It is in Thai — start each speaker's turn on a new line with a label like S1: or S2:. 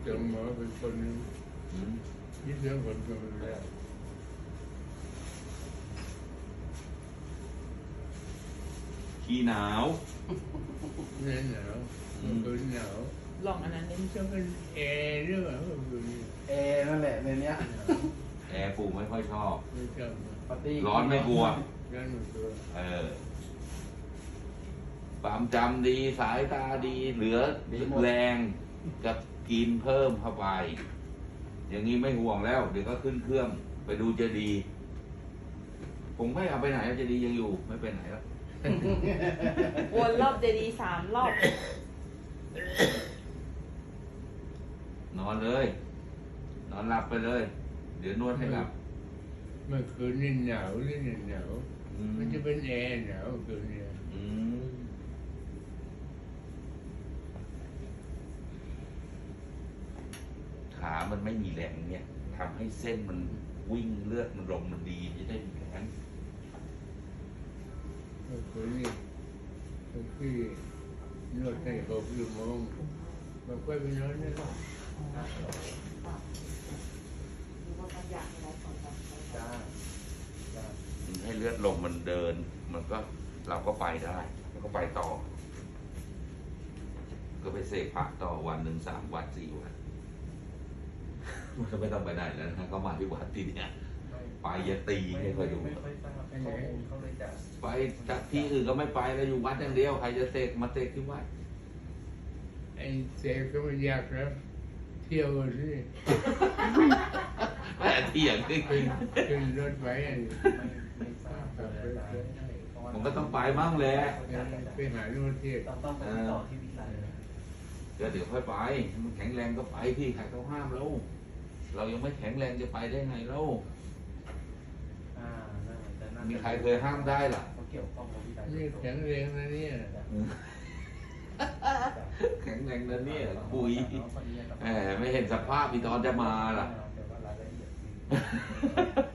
S1: จังหมอเป็นคนยึดเรื่องคนกันแล้ว
S2: ขี้หนาว
S1: เนี่ยหนาวมันก็หนาว
S3: ลองอันนั้นนี่
S1: มันจะเป็นแอร์หรือเปล่าก็คือ
S4: แอร์นั่นแหละในเนี้ย
S2: แอร์ปู่ไม่ค่อยชอบ
S1: ไม่ชอบ
S4: ปาร์ตี้
S2: ร้อนไม่กลัว
S1: นั่นมันตัว
S2: ความจำดีสายตาดีเหลือแรงกับกินเพิ่มเข้าไป อย่างนี้ไม่ห่วงแล้ว เดี๋ยวก็ขึ้นเครื่องไปดูเจดีย์ผมไม่เอาไปไหนเจดีย์ยังอยู่ไม่ไปไหนแล้ว
S3: วนรอบเจดีย์3 รอบ
S2: นอนเลย นอนหลับไปเลย เดี๋ยวนวดให้หลับ
S1: เมื่อคืนนี่หนาวหรือหนาวมันจะเป็นแอร์หนาวคืนนี้
S2: อืมขามันไม่มีแรงเนี่ยทำให้เส้นมันวิ่งเลือดมันลมมันดีจะได้มีแรง
S1: เมื่อคืนนี่พี่นวดให้6 ชั่วโมงมันก็ไปนอนได้แล้ว
S4: จ้าจ้า
S2: มันให้เลือดลมมันเดิน มันก็เราก็ไปได้แล้วก็ไปต่อ ก็ไปเสกพระต่อวันหนึ่ง3 วัน 4 วันมันก็ไม่ต้องไปไหนแล้วนะก็มาที่วัดที่เนี่ยไปอย่าตีให้คอยดู
S4: ไม่ค่อยทราบข้อมูลเขาเลยจะ
S2: ไปจากที่อื่นก็ไม่ไปแล้วอยู่วัดอย่างเดียวใครจะเสกมาเสกที่วัด
S1: ไอ้เสกก็ไม่ยากครับเที่ยวกันสิ
S2: แม่เถียงขึ้น
S1: ขึ้นรถไป
S4: ไม่ทราบเลยอาจารย์
S2: ผมก็ต้องไปมั่งแหละ
S1: ไปหาโน่นเที่ยว
S4: ต้องไปติดต่อที่วิไล
S2: ก็เดี๋ยวค่อยไปมันแข็งแรงก็ไปที่ใครเขาห้ามเราเรายังไม่แข็งแรงจะไปได้ไงเรามีใครเคยห้ามได้ล่ะ
S4: เขาเกี่ยวข้องกับวิไล
S1: นี่แข็งแรงนะเนี่ย
S2: แข็งแรงนะเนี่ยคุยแหมไม่เห็นสภาพอีตอนจะมาล่ะ
S4: แต่ว่ารายละเอียด